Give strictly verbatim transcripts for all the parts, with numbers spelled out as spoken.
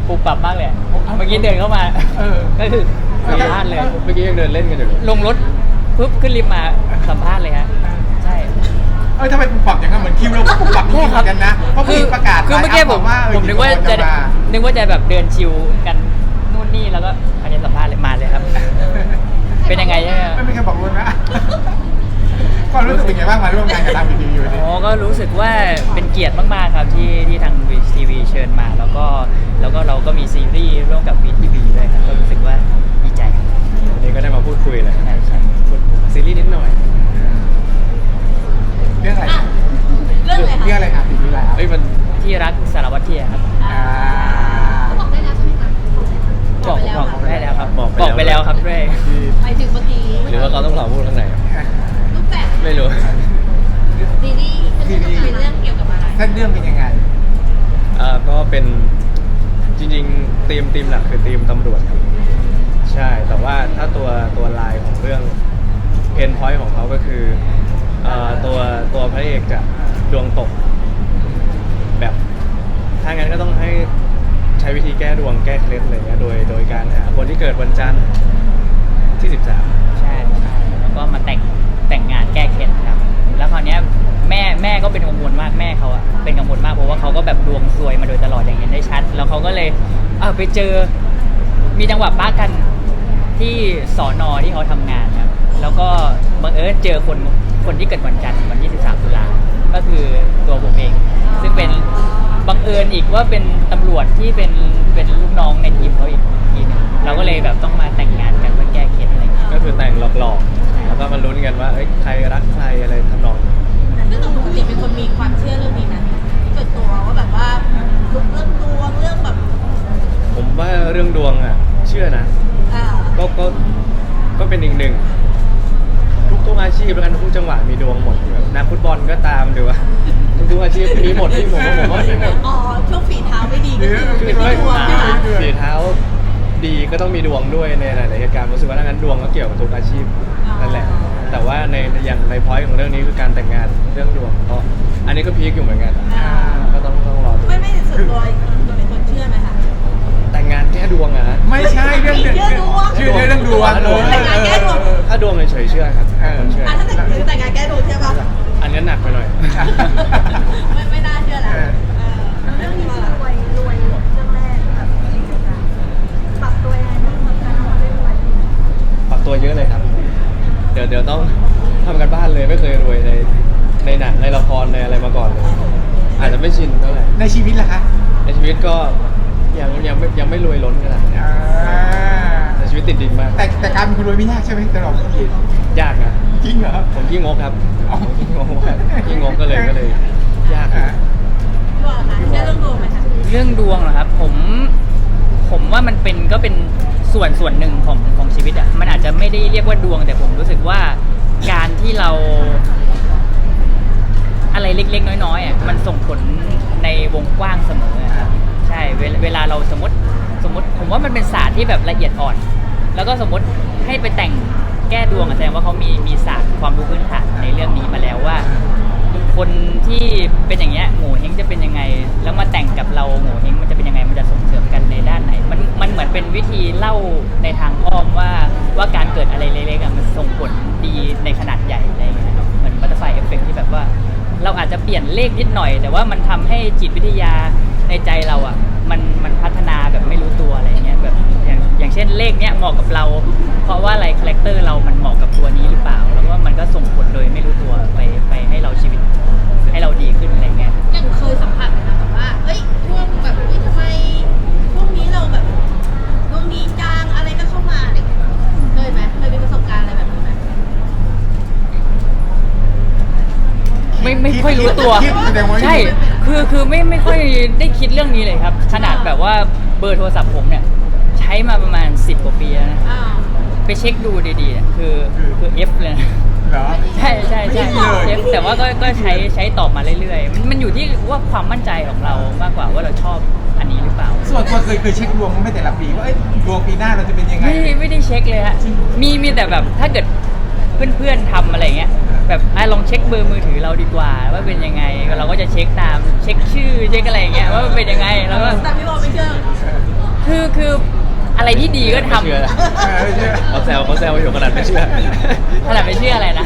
ปุบปับมากเลยเมื่อกี้เดินเข้ามาก็คือสัมภาษณ์เลยเมื่อกี้ยังเดินเล่นกันอยู่เลยลงรถปุ๊บขึ้นลิฟต์มาสัมภาษณ์เลยฮะใช่เออทำไมปุบปับอย่างนั้นเหมือนคิวเราก็ปุบปับจริงๆกันนะเพราะคือประกาศคือเมื่อกี้ผมผมนึกว่าจะนึกว่าจะแบบเดินชิวกันนู่นนี่แล้วก็อันนี้สัมภาษณ์เลยมาเลยครับเป็นยังไงใช่ไหมไม่มีใครบอกรู้นะก็รู้สึกเป็นไงบ้างมาร่วมงานกับทางวีทีวีอยู่ดิอ๋อก็รู้สึกว่าเป็นเกียรติมากๆครับที่ที่ทางวีทีวีเชิญมาแล้วก็แล้วก็เราก็มีซีรีส์ร่วมกับวีทีวีด้วยครับก็รู้สึกว่าดีใจวันนี้ก็ได้มาพูดคุยเลยใช่ใช่ซีรีส์นิดหน่อยเรื่องอะไรเรื่องอะไรคะเรื่องอะไรครับซีรีส์อะไรเอ้ยมันที่รักสารวัตรเทียครับบอกได้แล้วใช่ไหมคะบอกบอกได้แล้วครับบอกไปแล้วครับเร่ไปถึงเมื่อกี้หรือว่าเขาต้องรอพูดข้างในรูปแบบไม่รู้ซีรีส์เป็นเรื่องเกี่ยวกับอะไรเส้นเรื่องเป็นยังไงอ่าก็เป็นจริงๆธีมธีมหลักคือธีมตำรวจครับใช่แต่ว่าถ้าตัวตัวลายของเรื่องเพนพอยต์ของเขาก็คืออ่าตัวตัวพระเอกจะดวงตกแบบถ้างั้นก็ต้องให้ใช้วิธีแก้ดวงแก้เคล็ดอะไรเงี้ยโดยโดยการหาคนที่เกิดวันจันทร์ที่สิบสามใช่ใช่แล้วก็มาแต่งแต่งงานแก้เคล็ดครับแล้วคราวนี้แม่แม่ก็เป็นกังวลมากแม่เขาอะเป็นกังวลมากเพราะว่าเขาก็แบบดวงซวยมาโดยตลอดอย่างเห็นได้ชัดแล้วเขาก็เลยเออไปเจอมีจังหวะป้ากันที่สอนอที่เขาทำงานครับแล้วก็บังเอิญเจอคนคนที่เกิดวันจันทร์วันที่สิบสามตุลาก็คือตัวผมเองซึ่งเป็นบังเอิญอีกว่าเป็นตำรวจที่เป็นเป็นลูกน้องในทีมเขาอีกทีนึงเราก็เลยแบบต้องมาแต่งงานกันเพื่อแก้เคล็ดอะไรก็คือแต่งหลอกๆแล้วก็มาลุ้นกันว่าเอ้ยใครรักใครอะไรทำนองซึ่งปกติเป็นคนมีความเชื่อเรื่องนี้นะเกิดตัวว่าแบบว่าเรื่องดวงเรื่องแบบผมว่าเรื่องดวงอ่ะเชื่อนะก็ก็ก็เป็นอีกหนึ่งทุกทุกอาชีพแล้วกันทุกจังหวะมีดวงหมดแบบนักฟุตบอลก็ตามหรือว่าทุกอาชีพมีหมดที่ผมว่าผมว่ามีหมดอ๋อช่วงฝีเท้าไม่ดีก็คือเป็นดวงใช่ไหมฝีเท้าดีก็ต้องมีดวงด้วยในหลายๆเหตุการณ์รู้สึกว่าดังนั้นดวงก็เกี่ยวกับทุกอาชีพนั่นแหละแต่ว่าในอย่างในพอยต์ของเรื่องนี้คือการแต่งงานเรื่องดวงก็อันนี้ก็พีคอยู่เหมือนกันก็ต้องต้องรอดูไม่ไม่ส่วนตัวตัวเป็นคนเชื่อไหมคะแต่งงานแก้ดวงอะไม่ใช่เรื่องเรื่องชื่อเรื่องดวงแต่งงานแก้ดวงถ้าดวงเฉยๆเชื่อครับคนเชื่อถ้าแต่งงานแก้ดวงเชื่อป่ะอันนี้หนักไปหน่อยไม่ไม่น่าเชื่อแล้วเรื่องนี้รวยรวยเรื่องแรกแบบปรับตัวยังไงบ้างกับการทำเรื่องรวยปรับตัวเยอะเลยครับเดี๋ยวเดี๋ยวต้องทำกันบ้านเลยไม่เคยรวยในในหนังในละครในอะไรมาก่อนเลยอาจจะไม่ชินเท่าไหร่ในชีวิตล่ะคะในชีวิตก็ยังยังไม่ยังไม่รวยล้นขนาดนี้แต่ชีวิตติดดินมากแต่แต่การเป็นคนรวยไม่ยากใช่ไหมตลอดยากนะจริงเหรอผมขี้งกครับผมขี้งกขี้งกก็เลยก็เลยยากพี่วอลคะเรื่องดวงไหมคะเรื่องดวงเหรอครับผมผมว่ามันเป็นก็เป็นส่วนส่วนหนึ่งของของชีวิตอ่ะมันอาจจะไม่ได้เรียกว่าดวงแต่ผมรู้สึกว่าการที่เราอะไรเล็กๆน้อยๆอ่ะมันส่งผลในวงกว้างเสมอครับใช่เวลาเราสมมติสมมติผมว่ามันเป็นศาสตร์ที่แบบละเอียดอ่อนแล้วก็สมมติให้ไปแต่งแก้ดวงแสดงว่าเขามีมีศาสตร์ความรู้พื้นฐานในเรื่องนี้มาแล้วว่าคนที่เป็นอย่างเงี้ยโง่เฮงจะเป็นยังไงแล้วมาแต่งกับเราโง่เฮงมันจะเป็นยังไงมันจะส่งเสริมกันในด้านไหนมันมันเหมือนเป็นวิธีเล่าในทางอ้อมว่าว่าการเกิดอะไรเล็กๆมันส่งผลดีในขนาดใหญ่อะไรอย่างเงี้ยครับเหมือนบัตเตอร์ไฟเอฟเฟกต์ที่แบบว่าเราอาจจะเปลี่ยนเลขนิดหน่อยแต่ว่ามันทำให้จิตวิทยาในใจเราอ่ะมันมันพัฒนาแบบไม่รู้ตัวอะไรเงี้ยแบบอย่างอย่างเช่นเลขเนี้ยเหมาะกับเราเพราะว่าอะไรคาแรคเตอร์เรามันเหมาะกับตัวนี้หรือเปล่าแล้วก็มันก็ส่งผลโดยไม่รู้ตัวไปไปให้เราชีวิตให้เราดีขึ้นอะไรเงี้ยยังเคยสัมผัสไหมคะแบบว่าเอ้ยช่วงแบบเฮ้ยทำไมช่วงนี้เราแบบดวงดีจังอะไรก็เข้ามาอะไรเคยไหมเคยมีประสบการณ์อะไรแบบนี้ไหมไม่ไม่ค่อยรู้ตัวใช่คือคือไม่ไม่ค่อยได้คิดเรื่องนี้เลยครับขนาดแบบว่าเบอร์โทรศัพท์ผมเนี่ยใช้มาประมาณสิบกว่าปีแล้วนะไปเช็คดูดีๆคือคือ F เลยนะใช่ใช่ใช่ F แต่ว่าก็ก็ใช้ใช้ตอบมาเรื่อยๆมันมันอยู่ที่ว่าความมั่นใจของเรามากกว่าว่าเราชอบอันนี้หรือเปล่าส่วนตัวเคยเคยเช็คดวงไม่แต่ละปีว่าดวงปีหน้าเราจะเป็นยังไงไม่ไม่ได้เช็คเลยฮะมีมีแต่แบบถ้าเกิดเพื่อนๆทำอะไรเงี้ยแบบลองเช็คเบอร์มือถือเราดีกว่าว่าเป็นยังไงเราก็จะเช็คตามเช็คชื่อเช็คอะไรเงี้ยว่าเป็นยังไงแล้วก็แต่พี่บอลไม่เชื่อคืออะไรที่ดีก็ทำไม่เชื่อเออเชื่อเขาแซวเขาแซวอยู่ขนาดไม่เชื่อขนาดไม่เชื่ออะไรนะ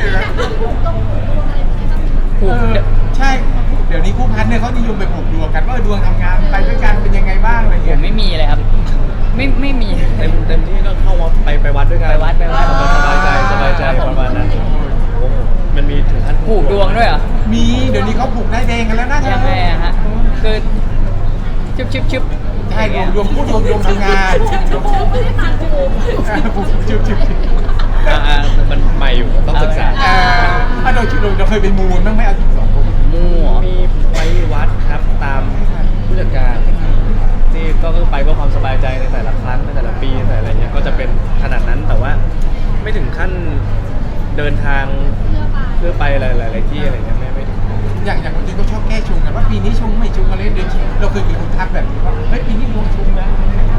เออใช่ เดี๋ยวนี้คู่พันเนี่ยเขานิยมไปผูกดวงกันว่าเออดวงทำงานไปด้วยกันเป็นยังไงบ้างอะไรผเงี้ยมไม่มีเลยครับ ไม่ไม่มีเต็มเต็มที่ก็เข้าวัดไปไปวัดด้วยกันไปวัดไปวัดสบายใจสบายใจประมาณนั้นโอ้โหมันมีถึงขั้นผูกดวงด้วยเหรอมีเดี๋ยวนี้เขาผูกได้แดงกันแล้วนะยังไงอะฮะคือชึบชึบชึบใช่ดวงดวงพูดดวงดวงทำงานเออผูกจุบจุบอ่าอ่ามันใหม่อยู่ต้องศึกษาเออถ้าโดยชุดเราเคยเป็นมูลบ้างไหมเอาจริงสองคนมั่วมีไปวัดครับตามผู้จัดการที่ก็คือไปเพื่อความสบายใจในแต่ละครั้งในแต่ละปีในแต่ละอะไรเงี้ยก็จะเป็นขนาดนั้นแต่ว่าไม่ถึงขั้นเดินทางเพื่อไปหลายๆที่อะไรเงี้ยไม่ไม่ถึงอย่างอย่างคนจีนก็ชอบแก้ชงกันว่าปีนี้ชงไม่ชงอะไรเดือนเราเคยมีคนทักแบบนี้ว่าเฮ้ยปีนี้ดวงชงนะ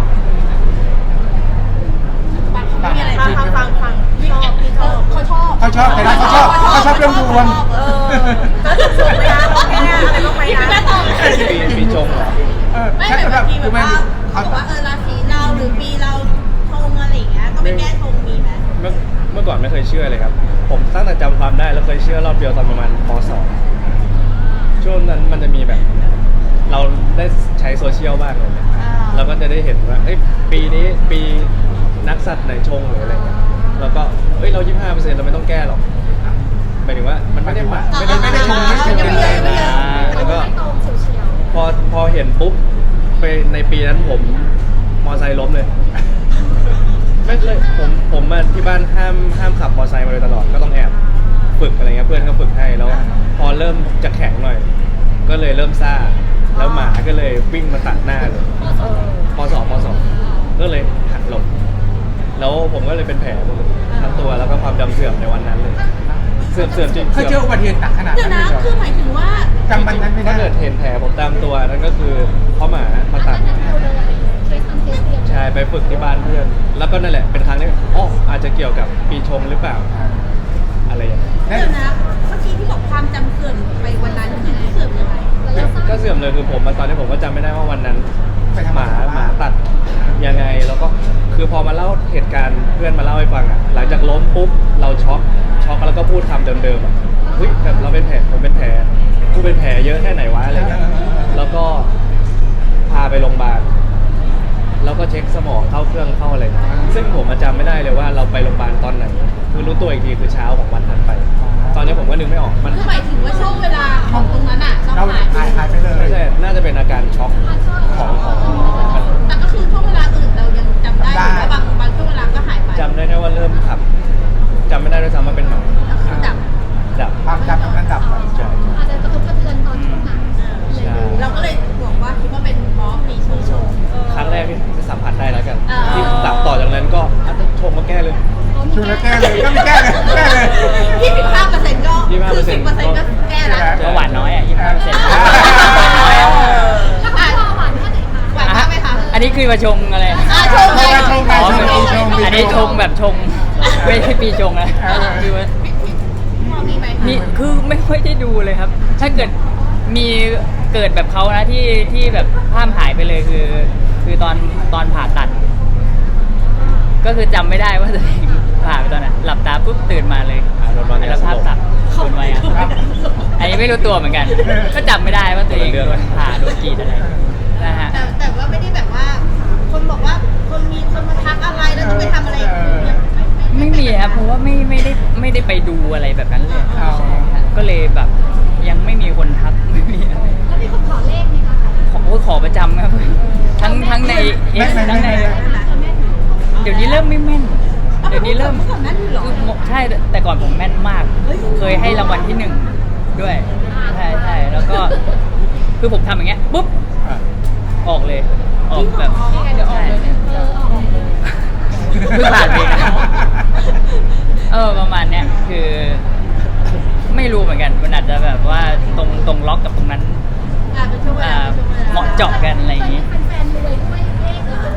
มีอะไรฟังฟังฟังชอบพี่ชอบเขาชอบเขาชอบแต่ละเขาชอบเขาชอบเรื่องดวงเออก็ถูกชมไหมคะแค่อะไรบ้างไหมคะปีปีชงเหรอเออไม่ใช่แบบสำหรับบางทีแบบคือไม่ว่าเขาเขาบอกว่าเออราศีเราหรือปีเราชงอะไรอย่างเงี้ยก็ไปแก้ชงมีไหมเมื่อเมื่อก่อนไม่เคยเชื่อเลยครับ ผมตั้งแต่จำความได้แล้วเคยเชื่อรอบเดียวตอนประมาณป .สอง ช่วงนั้นมันจะมีแบบ เราได้ใช้โซเชียลบ้างเลยเนี่ยเราก็จะได้เห็นว่าเอ้ยปีนี้ปีนักสัตว์ไหนชงหรืออะไรเงี้ยแล้วก็เอ้ยเรา ยี่สิบห้าเปอร์เซ็นต์ เราไม่ต้องแก้หรอกหมายถึงว่ามันไม่ได้หมายไม่ได้ไม่ได้ชงไม่ได้ชงเป็นแรงนะแล้วก็พอพอเห็นปุ๊บไปในปีนั้นผมมอไซค์ล้มเลย ไม่เคยผมผมมาที่บ้านห้ามห้ามขับมอเตอร์ไซค์มาโดยตลอดก็ต้องแอบฝึกอะไรเงี้ยเพื่อนก็ฝึกให้แล้ว พอเริ่มจะแข็งหน่อย ก็เลยเริ่มซ่าแล้วหมาก็เลยวิ่งมาตัดหน้าเลยปสองปสองก็เลยหักหลบแล้วผมก็เลยเป็นแผลหมดเลยทั้งตัวแล้วก็ความจำเสื่อมในวันนั้นเลยเสื่อมเสื่อมจริงเคยเจออุบัติเหตุหนักขนาดเดี๋ยวนั้นนะเลยเหรอคือหมายถึงว่าจำมันนั้นไม่ได้ถ้าเกิดเห็นแผลผมตามตัวนั่นก็คือเพราะหมามาตัดใช่ไปฝึกที่บ้านเพื่อน แล้วก็นั่นแหละเป็นครั้งที่อ๋ออาจจะเกี่ยวกับปีชงหรือเปล่าอะไรอย่างเงี้ยเดี๋ยวนะเมื่อกี้ที่บอกความจำเสื่อมไปวันนั้นคือเสื่อมยังไงก็เสื่อมเลยคือผมมาตอนนี้ผมก็จำไม่ได้ว่าวันนั้นไปทำหอะมาไรหมาตัดยังไงแล้วก็คือพอมาเล่าเหตุการณ์เพื่อนมาเล่าให้ฟังอ่ะหลังจากล้มปุ๊บเราช็อกช็อกแล้วก็พูดคำเดิมๆอ่ะเฮ้ยแบบเราเป็นแผลผมเป็นแผลกูเป็นแผลเยอะแค่ไหนวะอะไรเงี้ยแล้วก็พาไปโรงพยาบาลแล้วก็เช็คสมองเข้าเครื่องเข้าอะไรซึ่งผมจำไม่ได้เลยว่าเราไปโรงพยาบาลตอนไหนคือรู้ตัวอีกทีคือเช้าของวันถัดไป ตอนนี้ผมก็นึกไม่ออกมันคือหมายถึงว่าช่วงเวลาของตรงนั้นอ่ะเราเราหายหายหายไปเลยไม่ใช่น่าจะเป็นอาการช็อกของของมันแต่ก็คือช่วงเวลาอื่นเรายังจำได้อยู่ว่าบางบางช่วงเวลาก็หายไปจำได้แค่ว่าเริ่มขับจำไม่ได้ด้วยซ้ำว่าเป็นหมาแล้วคือดับดับความจำตรงนั้นดับไปใช่อาจจะกระทบกระเทือนตอนช่วงนั้นใช่เราก็เลยบอกว่าคิดว่าเป็นเพราะมีชงชงครั้งแรกที่สัมผัสได้แล้วกันอ่าที่ตับต่อจากนั้นก็อ่ะชงมาแก้เลยช่วยแล้วแก้เลยก็มีแก้เลยแก้เลยยี่สิบห้าเปอร์เซ็นต์ก็ยี่สิบห้าคืเปออร์เซ็สินบต์เปอร์เซ็นต์ก็แก้แล้วก็หวานน้อยอ่ะยี่สิบห้าเปอร์เซ็นต์อ่าน้อยอ่ะแล้วก็พอหวานแค่ไหนคะหวานมากไหมคะอันนี้คือมาชงอะไรอ่าชงไงชงไงอ๋อชงชงอันนี้ชงแบบชงไม่ใช่ปีชงนะเออคือว่าพี่พี่พอมีไหมคะมีคือไม่ค่อยได้ดูเลยครับ ถ้าเกิดมีเกิดแบบเขานะที่ที่แบบภาพหายไปเลยคือ คือตอนตอนผ่าตัด ก็คือจำไม่ได้ว่าตัวเองผ่าไปตอนไหนหลับตาปุ๊บตื่นมาเลยอ่าโดนวางยาแล้วสภาพลบตัดโดนไว้อะอันนี้ไม่รู้ตัวเหมือนกัน ก็จำไม่ได้ว่าตัวเองคนละเรื่องโดนผ่าโดนกรีดอะไรนะฮะแต่แต่ว่าไม่ได้แบบว่า คนบอกว่าคนมีคนมาทักอะไรแล้วจะไปทำอะไรคือยังไม่มีครับเพราะว่าไม่ไม่ได้ไม่ได้ไปดูอะไรแบบนั้นเลยอ๋อใช่ครับก็เลยแบบยังไม่มีคนทักไม่มีอะไรแล้วมีคนขอเลขไหมคะขอโอ้ยขอประจำครับ ทั้งทั้งในเอ็กไม่ไม่ทั้งในไม่ไม่เดี๋ยวนี้เริ่มไม่แม่น เดี๋ยวนี้เริ่มเมื่อก่อนนั้นเหรอคือใช่แต่ก่อนผมแม่นมากเฮ้ยเคยให้รางวัลที่หนึ่งด้วยใช่ใช่แล้วก็คือผมทำอย่างเงี้ยปุ๊บอ่ะออกเลย ออกแบบเดี๋ยวออกเลยเนี่ยเออออกเลยเพิ่งผ่านไปนะเออประมาณเนี้ยคือ ไม่รู้เหมือนกันมันอาจจะแบบว่าตรงตรงล็อกกับตรงนั้นอ่าเป็นช่วงเวอ่าลาเป็นช่วงวลเหมาะเจาะกันอะไรอย่างงี้เป็นแฟนรวยด้วยเลขเหรอ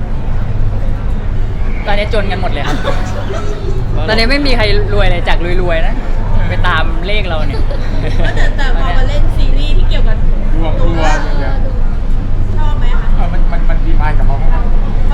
ตอนนี้จนกันหมดเลยครับ ตอนนี้ไม่มีใครรวยเลยจากรวยๆนะ ไปตามเลขเราเนี่ยแต่แต่พอมาเล่นซีรีส์ที่เกี่ยวกับดวงดวงอย่างเงี้ยชอบไหมคะเออมันมันมันดีมายกับเขาไหมช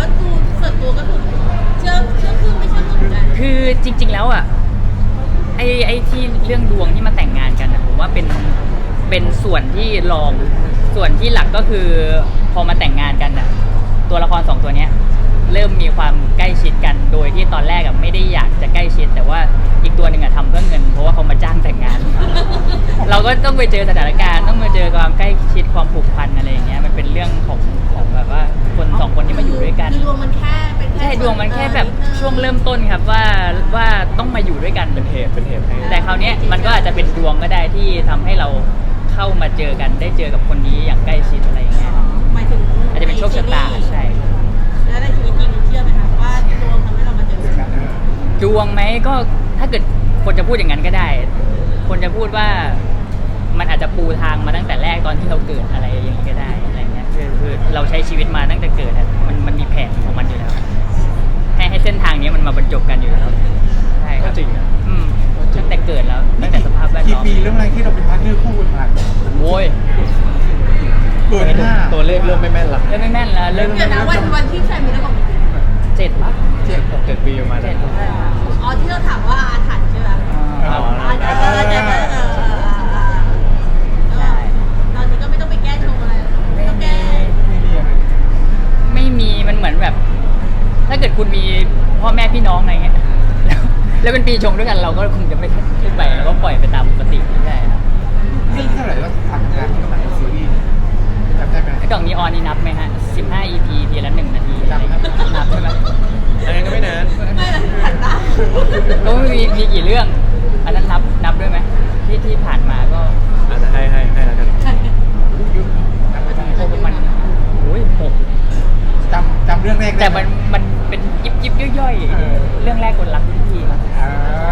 แล้วอ่ะไอ้ไอ้ที่เรื่องดวงที่มาแต่งงานกันอะผมว่าเป็นเป็นส่วนที่รองส่วนที่หลักก็คือพอมาแต่งงานกันอ่ะตัวละครสองตัวเนี้ยเริ่มมีความใกล้ชิดกันโดยที่ตอนแรกอะไม่ได้อยากจะใกล้ชิด แต่ว่าอีกตัวหนึ่งอะทำเพื่อเงินเพราะว่าเขามาจ้างแต่งงาน เราก็ต้องไปเจอสถานการณ์ต้องมาเจอความใกล้ชิดความผูกพันอะไรอย่างเงี้ยมันเป็นเรื่องของของแบบว่าคนสองคนที่มาอยู่ด้วยกันคือดวงมันแค่เป็นแค่ใช่ดวงมันแค่แบบช่วงเริ่มต้นครับว่าว่าต้องมาอยู่ด้วยกันเป็นเหตุเป็นเหตุให้แต่คราวเนี้ยมันก็อาจจะเป็นดวงก็ได้ที่ทำให้เราเข้ามาเจอกันได้เจอกับคนนี้อย่างใกล้ชิดอะไรอย่างเงี้ยหมายถึงอาจจะเป็นโชคชะตาใช่แล้วในชีวิตจริงเชื่อไหมคะว่าดวงทำให้เรามาเจอกันดวงไหมก็ถ้าเกิดคนจะพูดอย่างนั้นก็ได้ คนจะพูดว่ามันอาจจะปูทางมาตั้งแต่แรกตอนที่เราเกิดอะไรอย่างนี้ก็ได้อะไรเงี้ยคือคือเราใช้ชีวิตมาตั้งแต่เกิดอะมันมันมีแผนของมันอยู่แล้ว ให้ให้เส้นทางนี้มันมาบรรจบกันอยู่แล้วใช่คก็รับจริงนะอืมตั้งแต่เกิดแล้วตั้งแต่สภาพแวดกี่ล้อมปีเรื่องอะไรที่เราเป็นพาร์ทเนอร์คู่กันมาโว้ยเกินห้าตัวเลขเริ่มไม่แม่นละเริ่มไม่แม่นแล้วเริ่มเดี๋ยวนะวันวันที่แฟนมีแล้วบอกเจ็ดปะเจ็ดหกเจ็ดปีประมาณเจ็นั้ดนใช่ครับอ๋อที่เราถามว่าอาถรรพ์ใช่ไหมอ่าอ๋ออาถรรพ์เออเออเออเออใช่ตอนนี้ก็ไม่ต้องไปแก้ชงอะไรไม่ต้องแก้ไม่มีอะไรไม่มีมันเหมือนแบบ ถ้าเกิดคุณมีพ่อแม่พี่น้องอะไรเงี้ย แล้วแล้วเป็นปีชงด้วยกันเราก็คงจะไม่ขึ้นไปเราก็ปล่อยไปตามปกติใช่ครับเรื่องเท่าไหร่แล้วทำงานที่กำลังซีรีส์จำได้ไหมไอ้กล่องนีออนนี่นับไหมฮะสิบห้า อี พี ทีละหนึ่งนาทีอะไรเงี้ยนับใช่ไหมอันนั้นก็ไม่นานไม่เลยหันตาก็มีมีกี่เรื่อง อันนั้นนับนับด้วยไหมที่ที่ผ่านมาก็อาจจะให้ให้ให้แล้วกันยุคจำไม่ได้โอ้ประมาณโอ้ยหกจำจำเรื่องแรกได้แต่ไหมันมันเป็นยิบยิบย่อยเออๆ เรื่องแรกคนรักรุ่นพี่ครับอ่า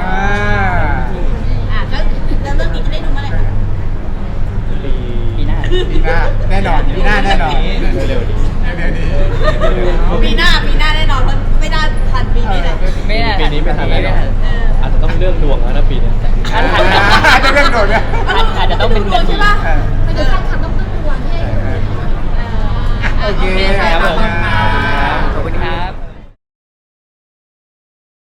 อ่ะก็แล้วเรื่องนี้จะได้ดูเมื่อไหร่คะปีปีหน้าปีหน้าแน่นอนปีหน้าแน่นอนเร็วๆนี้เดี๋ยวนี้ปีหน้าปีหน้าแน่นอนเพราะไม่ได้ทันปีนี้เลยไม่ได้ปีนี้ไม่ทันแน่นอนเอออาจจะต้องเรื่องดวงแล้วนะปีเนี้ยทันทันทันอาจจะเรื่องโดดเนี่ยอาจอาจจะต้องเป็นดวงใช่ปะเออไปดูแฟนคลับต้องพึ่งดวงให้เออเออโอเคค่ะครับผมขอบคุณ